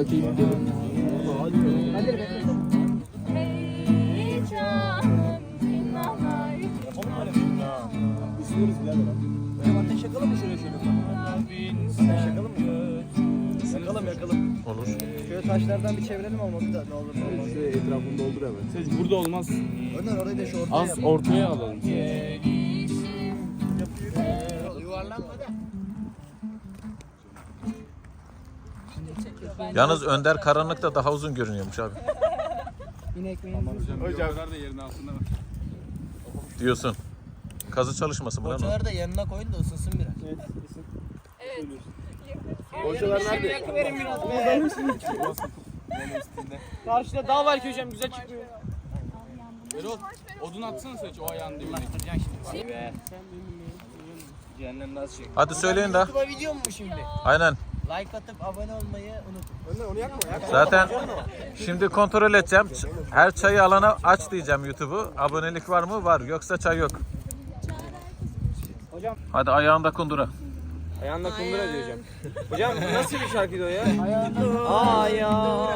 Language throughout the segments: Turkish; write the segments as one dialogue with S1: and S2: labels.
S1: Rakıyı gidelim.
S2: İstiyoruz birader. Hocam ateş yakalım mı şöyle? Ateş yakalım mı? Yakalım.
S3: Olur.
S2: Şöyle taşlardan bir çevirelim olmadı da ne olur ne olmaz.
S1: Şöyle etrafını doldur hemen.
S4: Siz burada olmaz.
S2: Önder orayı da şu ortaya
S4: Az
S2: yap.
S4: ortaya alalım.
S2: Yuvarlanma da.
S3: Yalnız Önder karanlıkta daha uzun görünüyormuş abi.
S4: Hocam da yerin altında var.
S3: Diyorsun. Kazı çalışması mı lan o?
S2: Poğaçaları da yanına koyun da ısınsın biraz.
S1: Hocalar nerede?
S5: Verin biraz. Karşıda dağ var ki hocam güzel çıkıyor.
S4: Erol odun atsana seç o ayağın dibine.
S2: Cehennem nasıl çek?
S3: Hadi söyleyin de.
S2: YouTube'a video mu bu şimdi?
S3: Aynen.
S2: Like atıp abone olmayı unutun.
S1: Önder onu yakma.
S3: Zaten şimdi kontrol edeceğim. Her çayı alana aç diyeceğim YouTube'u. Abonelik var mı? Var. Yoksa çay yok.
S5: Hocam.
S3: Hadi ayağında kundura.
S5: Ayağında kundura diyor hocam. Hocam nasıl bir şarkıydı o ya? Ayağında.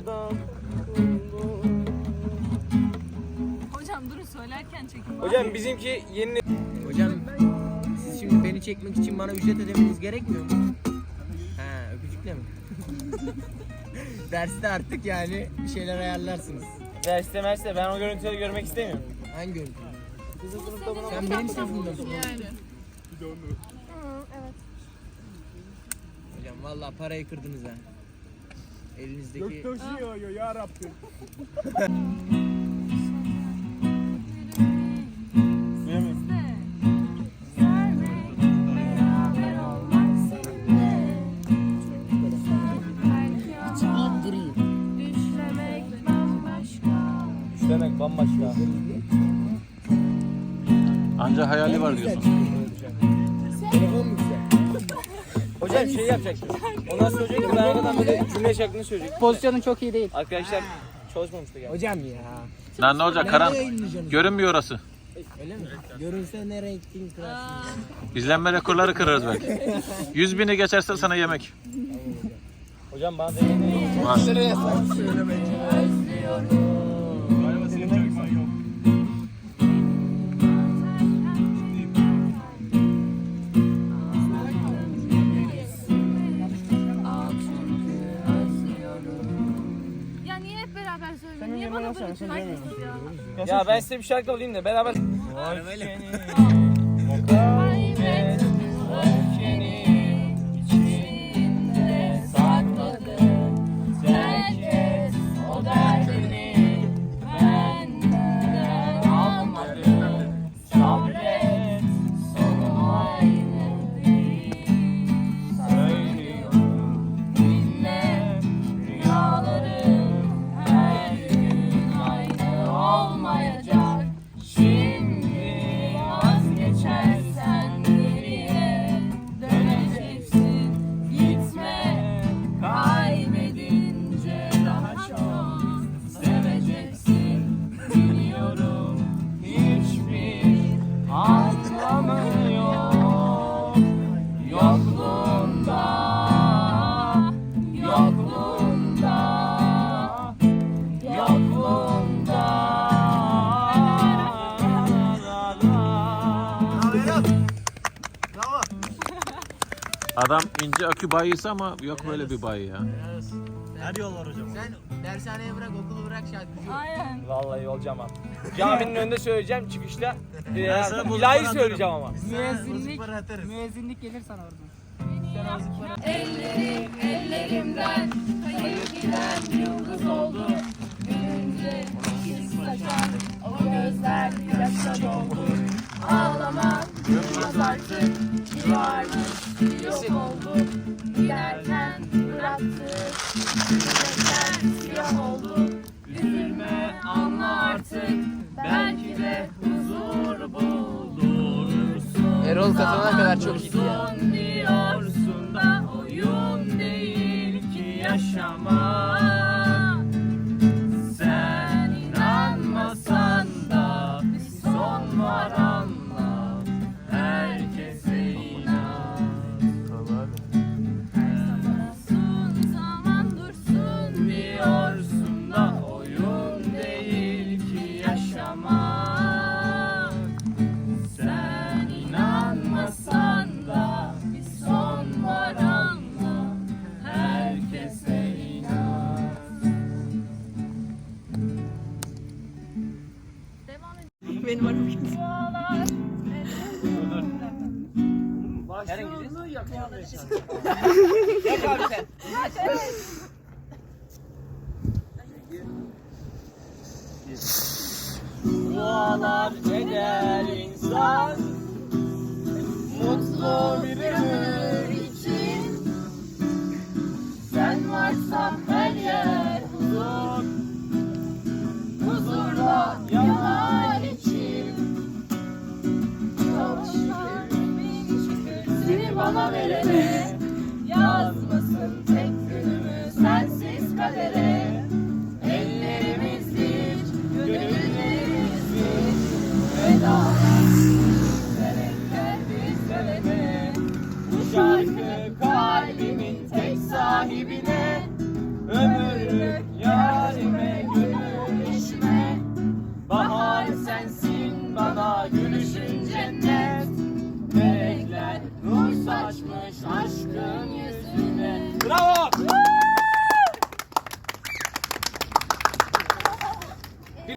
S6: Hocam durun söylerken çekin.
S5: Hocam bizimki yeni...
S2: Hocam siz şimdi beni çekmek için bana ücret ödemeniz gerekmiyor mu? He öpücükle mi? Derste artık yani bir şeyler ayarlarsınız.
S5: Derste merste ben o görüntüleri görmek istemiyorum.
S2: Hangi görüntü? Sen benim sınıfımda mısın?
S6: Yani.
S7: Evet.
S2: Hocam vallahi parayı kırdınız ha. Elinizdeki...
S1: Taşıyor ya Rabbim.
S5: Demek bambaşka.
S3: Anca hayali var diyorsun.
S2: Telefon mu güzel?
S5: Hocam şey yapacaktım. Ondan sonra hocam ben arkadan böyle cümle şeklini söyleyecek.
S1: Pozisyonun çok iyi değil.
S5: Arkadaşlar çalışmamıştı galiba.
S2: Hocam ya.
S3: Lan ne olacak? Karan görünmüyor orası.
S2: Öyle mi? Görünse ne renktin kırarsın.
S3: İzlenme rekorları kırarız belki. 100.000'i geçerse sana yemek.
S5: Hocam bana deneyin.
S3: Var.
S6: Ya niye hep beraber söylüyorsun? Niye bana bırakıyorsun herkes ya?
S5: Ya ben size bir şarkı alayım da beraber.
S2: Öyle.
S6: Kaybet öfkeni içinde sakladın. Terk et o derdini benden almadın. Sabret sonu aynı değil. Söylüyorum dinle rüyaların her gün aynı olmayacak. Şimdi vazgeçersen geriye döneceksin. Gitme kaybedince daha çok seveceksin. Biliyorum hiçbir anlamı yok yokluğunda, yokluğunda, yokluğunda.
S3: Adam ince akü bayisi ama yok böyle bir bayi ya.
S2: Her yol var hocam. Sen dershaneye bırak, okulu bırak şarkıcı.
S6: Aynen.
S5: Vallahi olacağım abi. Caminin önünde söyleyeceğim çıkışta. İlahi söyleyeceğim ama.
S1: Müezzinlik gelir sana oradan.
S6: Ellerim ellerimden kayıp giden yıldız oldu. Gülünce his saçan o gözler yaşa doldu. Ağlamak bilmez artık bir varmış bir yok oldu. Giderken bıraktık yürekler siyah oldu. Üzülme anla artık belki de huzur bulursun.
S1: Erol katılana kadar çok iyiydi ya.
S6: Son diyorsun da oyun değil ki yaşamak. Sen inanmasan da bir son var anla. Herkese inan. Her zaman dursun
S2: Benim arabam kimse.
S6: Dualar.
S5: Yak abi sen. Dualar eder insan mutlu bir ömür için.
S6: Sen varsan her yer huzur. Huzurla yanar içim. Çok şükür, bin şükür seni bana verene. Yazmasın tek günümü sensiz kadere. Ellerimiz bir, gönüllerimiz bir. Vedalar yürekler bizlere. Bu şarkı kalbimin tek sahibine. Ömürlük yarime gönül eşime. Bahar sensin bana gülüşün cennet. Melekler nur saçmış